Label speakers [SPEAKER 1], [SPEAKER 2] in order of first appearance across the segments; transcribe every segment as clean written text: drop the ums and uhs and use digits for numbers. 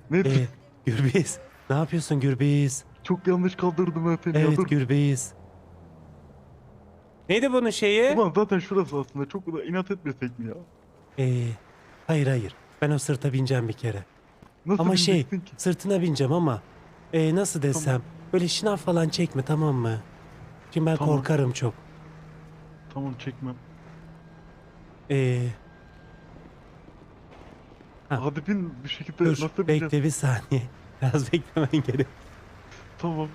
[SPEAKER 1] Nathan,
[SPEAKER 2] Gürbüz. Ne yapıyorsun Gürbüz?
[SPEAKER 1] çok yanlış kaldırdım ben seni ya,
[SPEAKER 2] Evet
[SPEAKER 1] dur.
[SPEAKER 2] Gürbüz. Neydi bunun şeyi?
[SPEAKER 1] Ulan zaten şurası aslında, çok da inat etmesek mi ya?
[SPEAKER 2] Ee, hayır hayır. Ben o sırta bineceğim bir kere.
[SPEAKER 1] Nasıl
[SPEAKER 2] Ama
[SPEAKER 1] bineceksin ki?
[SPEAKER 2] sırtına bineceğim ama nasıl
[SPEAKER 1] Tamam,
[SPEAKER 2] desem böyle şınav falan çekme, tamam mı? Şimdi ben
[SPEAKER 1] tamam,
[SPEAKER 2] korkarım çok.
[SPEAKER 1] tamam, çekmem.
[SPEAKER 2] Ee, ha,
[SPEAKER 1] Hadi bin bir şekilde,
[SPEAKER 2] dur
[SPEAKER 1] nasıl bineceğiz?
[SPEAKER 2] bekle bir saniye. Biraz beklemen gerek.
[SPEAKER 1] Tamam.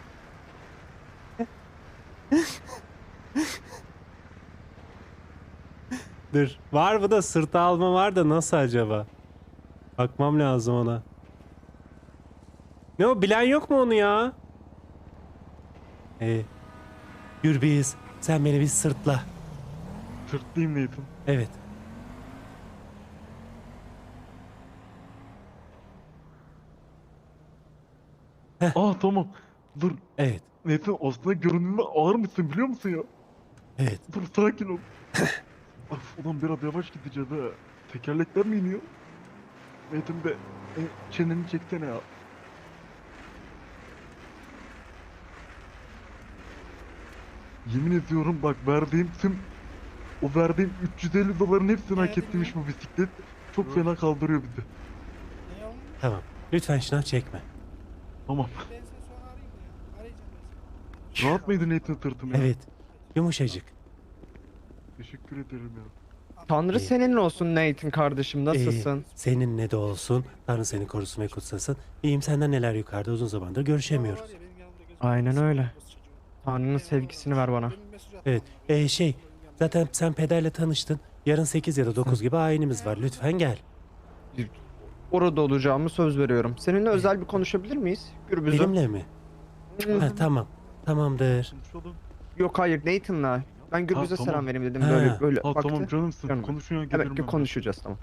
[SPEAKER 2] Dur. Var mı da sırta alma var da nasıl acaba? Bakmam lazım ona. Ne o, bilen yok mu onu ya? Ee, Gürbüz sen beni bir sırtla.
[SPEAKER 1] Sırtlayayım Nathan.
[SPEAKER 2] Evet. Heh,
[SPEAKER 1] Tamam. Dur.
[SPEAKER 2] evet.
[SPEAKER 1] Nathan, aslında görünümde ağır mısın biliyor musun ya?
[SPEAKER 2] Evet.
[SPEAKER 1] Dur, sakin ol. Of, ulan biraz yavaş gideceğiz ha. Tekerlekler mi iniyor? Nathan be, çeneni çeksene ya. Yemin ediyorum bak, o verdiğim 350 doların hepsini hak etmiş bu bisiklet. Çok fena kaldırıyor bizi.
[SPEAKER 3] Ne yavrum?
[SPEAKER 2] Tamam. Lütfen şınav çekme.
[SPEAKER 1] Tamam.
[SPEAKER 3] Ben seni sonra arayayım ya. Arayacağım ben seni.
[SPEAKER 1] Rahat mıydın Nathan sırtım ya?
[SPEAKER 2] Evet. Yumuşacık.
[SPEAKER 1] Teşekkür ederim ya.
[SPEAKER 4] Tanrı
[SPEAKER 2] İyi.
[SPEAKER 4] senin olsun Nathan kardeşim, nasılsın?
[SPEAKER 2] Seninle de olsun. Tanrı seni korusun ve kutsasın. İyiyim, senden neler yukarıda, uzun zamandır görüşemiyoruz.
[SPEAKER 3] Var ya, benim yanımda gözüm
[SPEAKER 4] Aynen
[SPEAKER 3] arkasında
[SPEAKER 4] öyle.
[SPEAKER 3] orası çocuğu.
[SPEAKER 4] Tanrı'nın
[SPEAKER 3] Benim
[SPEAKER 4] sevgisini
[SPEAKER 3] yanımda
[SPEAKER 4] ver bana.
[SPEAKER 3] demin mesaj attım
[SPEAKER 2] Evet.
[SPEAKER 3] ona böyle.
[SPEAKER 2] Şey,
[SPEAKER 3] Benim yanımda.
[SPEAKER 2] zaten sen pederle tanıştın. Yarın 8 ya da 9 gibi ayinimiz var. Lütfen gel.
[SPEAKER 4] Orada olacağımı söz veriyorum. Seninle özel bir konuşabilir miyiz? Gürbüz'üm.
[SPEAKER 2] Benimle mi? Ha, tamam. Tamamdır.
[SPEAKER 1] Konuşalım.
[SPEAKER 4] Yok hayır, Nathan'la. Ben Gürbüz'e
[SPEAKER 1] tamam.
[SPEAKER 4] selam vereyim dedim,
[SPEAKER 2] Ha.
[SPEAKER 4] böyle böyle
[SPEAKER 1] Ha
[SPEAKER 4] baktı.
[SPEAKER 1] tamam canımsın.
[SPEAKER 4] Canım.
[SPEAKER 1] Konuşuyor, gelirim
[SPEAKER 4] Evet,
[SPEAKER 1] ben.
[SPEAKER 4] konuşacağız, tamam.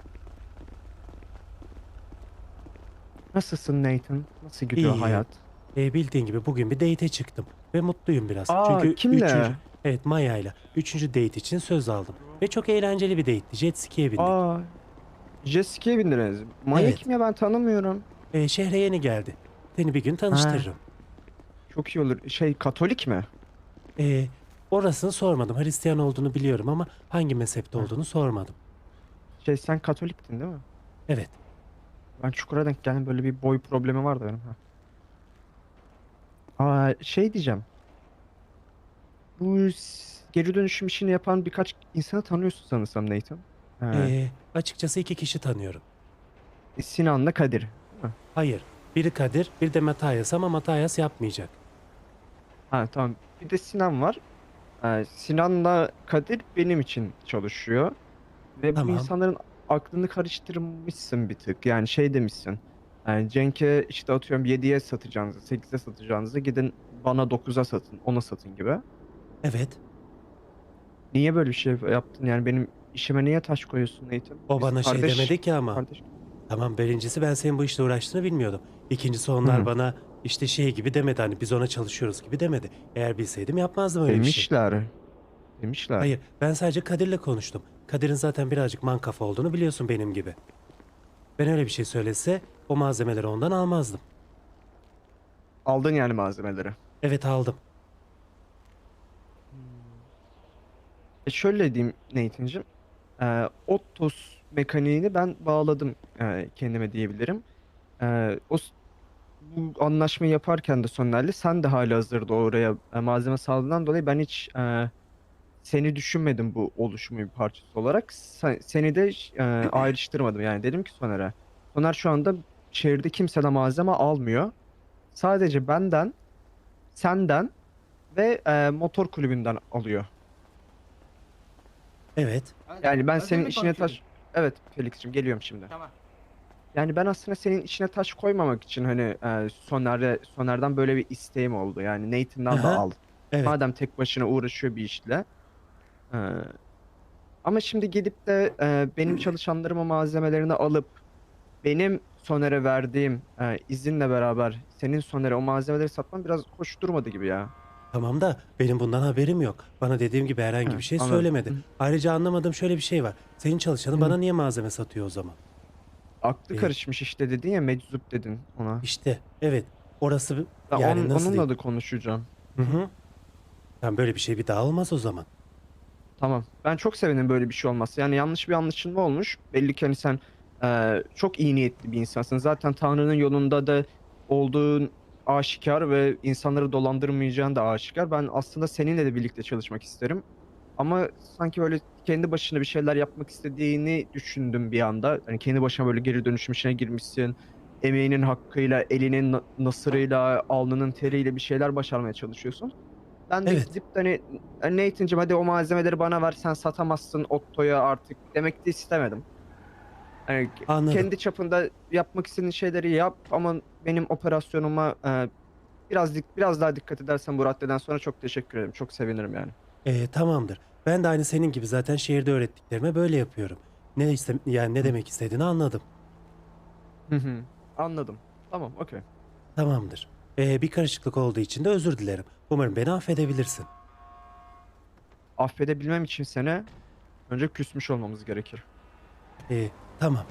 [SPEAKER 4] Nasılsın Nathan? Nasıl gidiyor
[SPEAKER 2] İyi.
[SPEAKER 4] hayat?
[SPEAKER 2] Bildiğin gibi bugün bir date'e çıktım. Ve mutluyum biraz.
[SPEAKER 4] Aa,
[SPEAKER 2] Çünkü
[SPEAKER 4] kimle?
[SPEAKER 2] Evet, Maya'yla. Üçüncü date için söz aldım. Ve çok eğlenceli bir date'ti. Jet ski'ye bindik.
[SPEAKER 4] Aa, jet ski'ye bindiniz. Maya
[SPEAKER 2] Evet.
[SPEAKER 4] kim ya, ben tanımıyorum.
[SPEAKER 2] Şehre yeni geldi. Seni bir gün tanıştırırım.
[SPEAKER 4] Çok iyi olur. Şey, Katolik mi?
[SPEAKER 2] Orasını sormadım. Hristiyan olduğunu biliyorum ama hangi mezhepte
[SPEAKER 4] Ha.
[SPEAKER 2] olduğunu sormadım.
[SPEAKER 4] Şey, sen Katoliktin değil mi?
[SPEAKER 2] Evet.
[SPEAKER 4] Ben çukura denk geldim, böyle bir boy problemi vardı benim. Ha. Şey diyeceğim. Bu geri dönüşüm işini yapan birkaç insanı tanıyorsun sanırsam Nathan.
[SPEAKER 2] Açıkçası iki kişi tanıyorum.
[SPEAKER 4] Sinan'la Kadir. Değil mi?
[SPEAKER 2] Hayır. Biri Kadir, bir de Matthias ama Matthias yapmayacak.
[SPEAKER 4] Ha tamam. Bir de Sinan var. Sinan'la Kadir benim için çalışıyor. Ve bu
[SPEAKER 2] Tamam.
[SPEAKER 4] insanların aklını karıştırmışsın bir tık. Yani şey demişsin. Yani Cenk'e işte atıyorum 7'ye satacağınızı, 8'e satacağınızı gidin bana 9'a satın, 10'a satın gibi.
[SPEAKER 2] Evet.
[SPEAKER 4] Niye böyle bir şey yaptın? Yani benim işime niye taş koyuyorsun Nathan?
[SPEAKER 2] O
[SPEAKER 4] Biz
[SPEAKER 2] bana şey
[SPEAKER 4] kardeş,
[SPEAKER 2] demedi ki ama.
[SPEAKER 4] kardeş.
[SPEAKER 2] Tamam, birincisi ben senin bu işle uğraştığını bilmiyordum. İkincisi onlar
[SPEAKER 4] Hı.
[SPEAKER 2] bana işte şey gibi demedi, hani biz ona çalışıyoruz gibi demedi. Eğer bilseydim yapmazdım öyle bir şey.
[SPEAKER 4] Demişler. Demişler.
[SPEAKER 2] Hayır, ben sadece Kadir'le konuştum. Kadir'in zaten birazcık mankafa olduğunu biliyorsun, benim gibi. Ben öyle bir şey söylese o malzemeleri ondan almazdım.
[SPEAKER 4] Aldın yani malzemeleri.
[SPEAKER 2] Evet, aldım.
[SPEAKER 4] Şöyle diyeyim Nathan'cığım. Ottos mekaniğini ben bağladım kendime diyebilirim. Bu anlaşmayı yaparken de Soner'le sen de halihazırda oraya malzeme sağladığından dolayı ben hiç seni düşünmedim bu oluşumun bir parçası olarak. Seni de ayrıştırmadım. Yani dedim ki Soner'e. Soner şu anda şehirde kimseden malzeme almıyor. Sadece benden, senden ve motor kulübünden alıyor.
[SPEAKER 2] Evet.
[SPEAKER 4] Yani ben
[SPEAKER 5] Özür
[SPEAKER 4] senin
[SPEAKER 5] mü
[SPEAKER 4] işine
[SPEAKER 5] konuşuyorsun?
[SPEAKER 4] taş... Evet Felix'ciğim, geliyorum şimdi.
[SPEAKER 5] Tamam.
[SPEAKER 4] Yani ben aslında senin işine taş koymamak için hani Soner'den böyle bir isteğim oldu. Yani Nathan'dan da
[SPEAKER 2] Aha.
[SPEAKER 4] al.
[SPEAKER 2] Evet.
[SPEAKER 4] Madem tek başına uğraşıyor bir işle. E, Ama şimdi gidip de benim çalışanlarıma malzemelerini alıp benim Soner'e verdiğim izinle beraber senin Soner'e o malzemeleri satman biraz hoş durmadı gibi ya.
[SPEAKER 2] Tamam da benim bundan haberim yok. Bana dediğim gibi herhangi bir şey
[SPEAKER 4] Anladım.
[SPEAKER 2] söylemedi.
[SPEAKER 4] Hı.
[SPEAKER 2] Ayrıca anlamadığım şöyle bir şey var. Senin çalışanın
[SPEAKER 4] Hı.
[SPEAKER 2] bana niye malzeme satıyor o zaman?
[SPEAKER 4] Aklı
[SPEAKER 2] Ee,
[SPEAKER 4] karışmış işte dedin ya, meczup dedin ona.
[SPEAKER 2] İşte evet, orası
[SPEAKER 4] Ben
[SPEAKER 2] yani nasıl
[SPEAKER 4] onunla
[SPEAKER 2] diyeyim?
[SPEAKER 4] da konuşacağım.
[SPEAKER 2] Hı hı. Tam böyle bir şey bir daha olmaz o zaman.
[SPEAKER 4] Tamam. Ben çok sevindim böyle bir şey olması. Yani yanlış bir anlaşılma olmuş. Belli ki hani sen çok iyi niyetli bir insansın. Zaten Tanrı'nın yolunda da olduğun aşikar ve insanları dolandırmayacağın da aşikar. Ben aslında seninle de birlikte çalışmak isterim. Ama sanki böyle kendi başına bir şeyler yapmak istediğini düşündüm bir anda. Hani kendi başına böyle geri dönüşüm işine girmişsin. Emeğinin hakkıyla, elinin nasırıyla, alnının teriyle bir şeyler başarmaya çalışıyorsun. Ben de
[SPEAKER 2] Evet,
[SPEAKER 4] gidip de hani Nathan'cığım hadi o malzemeleri bana ver, sen satamazsın Otto'ya artık demek de istemedim. Hani
[SPEAKER 2] anladım.
[SPEAKER 4] kendi çapında yapmak istediğin şeyleri yap ama benim operasyonuma biraz daha dikkat edersen bu raddeden sonra çok teşekkür ederim. Çok sevinirim yani.
[SPEAKER 2] Tamamdır. Ben de aynı senin gibi zaten şehirde öğrettiklerime böyle yapıyorum. Yani ne
[SPEAKER 4] Hı
[SPEAKER 2] demek istediğini anladım.
[SPEAKER 4] hı. Hı. Anladım. Tamam, okey.
[SPEAKER 2] Tamamdır. Bir karışıklık olduğu için de özür dilerim. Umarım beni affedebilirsin.
[SPEAKER 4] Affedebilmem için seni önce küsmüş olmamız gerekir.
[SPEAKER 2] Tamam.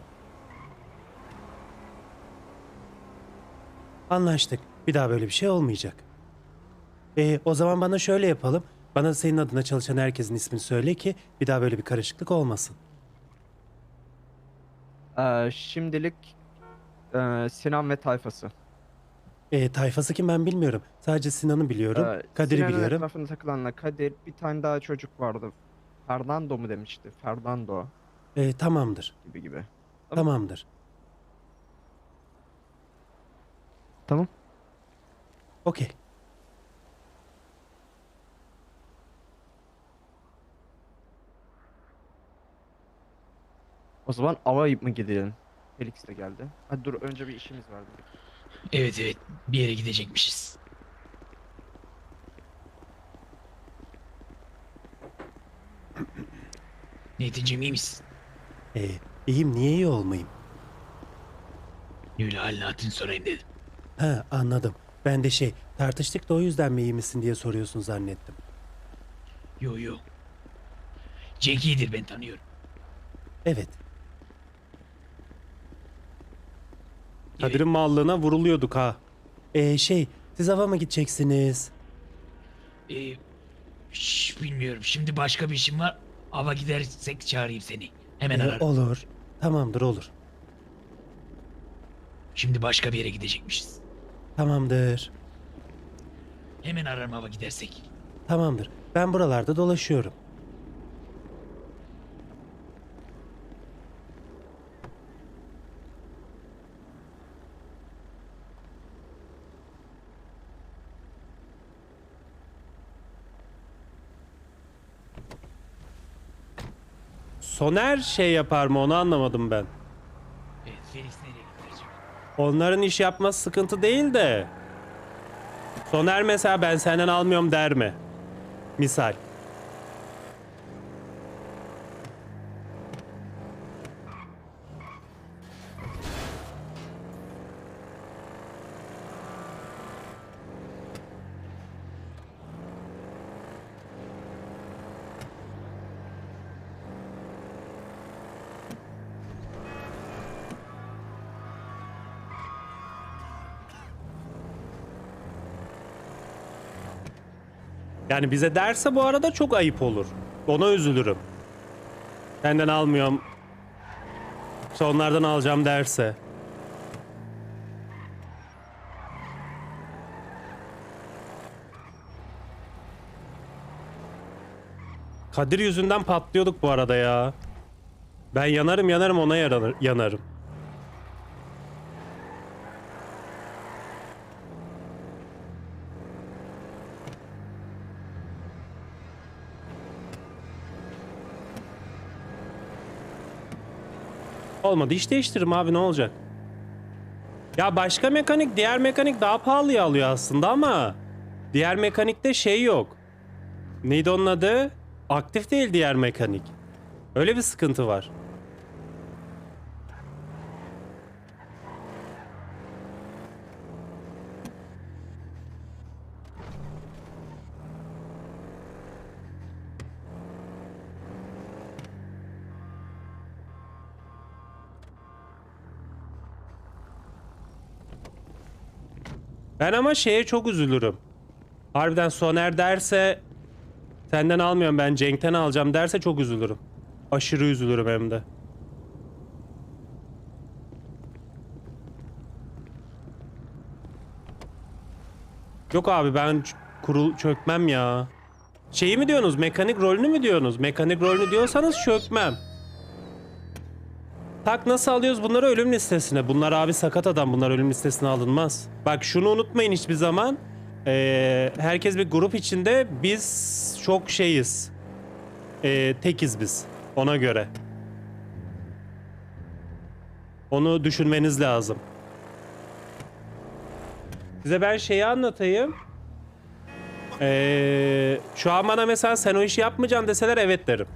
[SPEAKER 2] Anlaştık. Bir daha böyle bir şey olmayacak. O zaman bana şöyle yapalım. Bana senin adına çalışan herkesin ismini söyle ki bir daha böyle bir karışıklık olmasın.
[SPEAKER 4] Şimdilik Sinan ve tayfası.
[SPEAKER 2] Tayfası kim ben bilmiyorum. Sadece Sinan'ı biliyorum. Kadir'i
[SPEAKER 4] Sinan'ın
[SPEAKER 2] biliyorum.
[SPEAKER 4] etrafında takılanla Kadir, bir tane daha çocuk vardı. Fernando mu demişti? Fernando
[SPEAKER 2] Tamamdır.
[SPEAKER 4] gibi gibi. Tamam.
[SPEAKER 2] Tamamdır.
[SPEAKER 4] Tamam.
[SPEAKER 2] Okey.
[SPEAKER 4] O zaman ava mı gidelim? Felix de geldi. Hadi dur, önce bir işimiz vardı.
[SPEAKER 5] Evet evet, bir yere gidecekmişiz. Neticim iyi misin?
[SPEAKER 2] Ee, iyiyim niye iyi olmayayım?
[SPEAKER 5] Öyle halini hatırını sorayım dedim.
[SPEAKER 2] Ha anladım. Ben de tartıştık da o yüzden mi iyi misin diye soruyorsun zannettim.
[SPEAKER 5] Yo yo. Cenk iyidir, ben tanıyorum.
[SPEAKER 2] Evet.
[SPEAKER 5] Evet.
[SPEAKER 2] Kadir'in mallığına vuruluyorduk ha. Siz hava mı gideceksiniz?
[SPEAKER 5] E, bilmiyorum. Şimdi başka bir işim var. Ava gidersek çağırayım seni. Hemen ararım.
[SPEAKER 2] Olur. Tamamdır olur.
[SPEAKER 5] Şimdi başka bir yere gidecekmişiz.
[SPEAKER 2] Tamamdır.
[SPEAKER 5] Hemen ararım ava gidersek.
[SPEAKER 2] Tamamdır. Ben buralarda dolaşıyorum. Soner yapar mı onu anlamadım ben.
[SPEAKER 5] Evet, Felix nereye gitti acaba?
[SPEAKER 2] Onların iş yapması sıkıntı değil de. Soner mesela ben senden almıyorum der mi? Misal. Yani bize derse bu arada çok ayıp olur. Ona üzülürüm. Senden almıyorum. İşte onlardan alacağım derse. Kadir yüzünden patlıyorduk bu arada ya. Ben yanarım ona yanarım. Olmadı iş değiştiririm abi ne olacak? Ya başka mekanik diğer mekanik daha pahalıya alıyor aslında ama diğer mekanikte yok. Neydi onun adı? Aktif değil diğer mekanik. Öyle bir sıkıntı var. Ben ama şeye çok üzülürüm. Harbiden Soner derse senden almıyorum ben Cenk'ten alacağım derse çok üzülürüm. Aşırı üzülürüm hem de. Yok abi ben çökmem ya. Şeyi mi diyorsunuz? Mekanik rolünü mü diyorsunuz? Mekanik rolünü diyorsanız çökmem. Tak nasıl alıyoruz bunları ölüm listesine? Bunlar abi sakat adam. Bunlar ölüm listesine alınmaz. Bak şunu unutmayın hiçbir zaman. Herkes bir grup içinde biz çok şeyiz. Tekiz biz. Ona göre. Onu düşünmeniz lazım. Size ben şeyi anlatayım. Şu an bana mesela sen o işi yapmayacaksın deseler evet derim.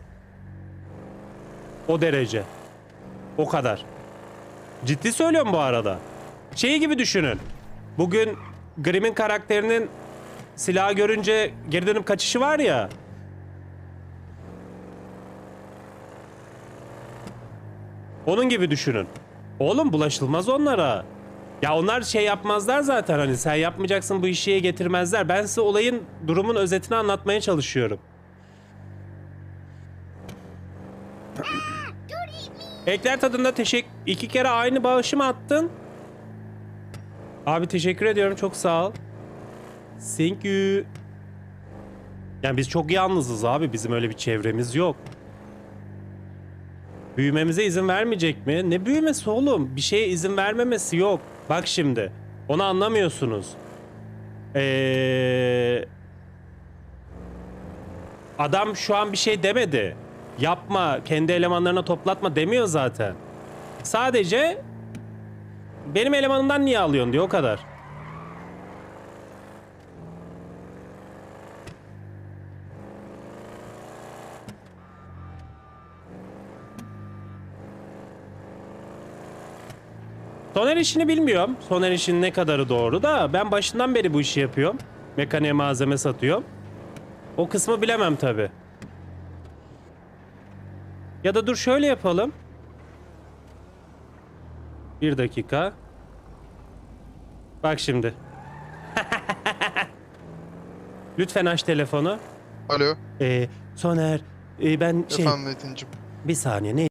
[SPEAKER 2] O derece. O kadar. Ciddi söylüyorum bu arada. Şeyi gibi düşünün. Bugün Grimm'in karakterinin silahı görünce geri dönüp kaçışı var ya. Onun gibi düşünün. Oğlum bulaşılmaz onlara. Ya onlar şey yapmazlar zaten hani sen yapmayacaksın bu işe getirmezler. Ben size olayın durumun özetini anlatmaya çalışıyorum. Ekler tadında iki kere aynı bağışı mı attın? Abi teşekkür ediyorum çok sağ ol. Thank you. Yani biz çok yalnızız abi bizim öyle bir çevremiz yok. Büyümemize izin vermeyecek mi? Ne büyümesi oğlum? Bir şeye izin vermemesi yok. Bak şimdi. Onu anlamıyorsunuz. Adam şu an bir şey demedi. Yapma, kendi elemanlarına toplatma demiyor zaten. Sadece benim elemanımdan niye alıyorsun diyor o kadar. Soner işini bilmiyorum. Soner işinin ne kadarı doğru da ben başından beri bu işi yapıyorum. Mekaniğe malzeme satıyorum. O kısmı bilemem tabi. Ya da dur şöyle yapalım. Bir dakika. Bak şimdi. Lütfen aç telefonu.
[SPEAKER 6] Alo.
[SPEAKER 2] Soner ben şey
[SPEAKER 6] Efendim Metin'cim.
[SPEAKER 2] bir saniye ne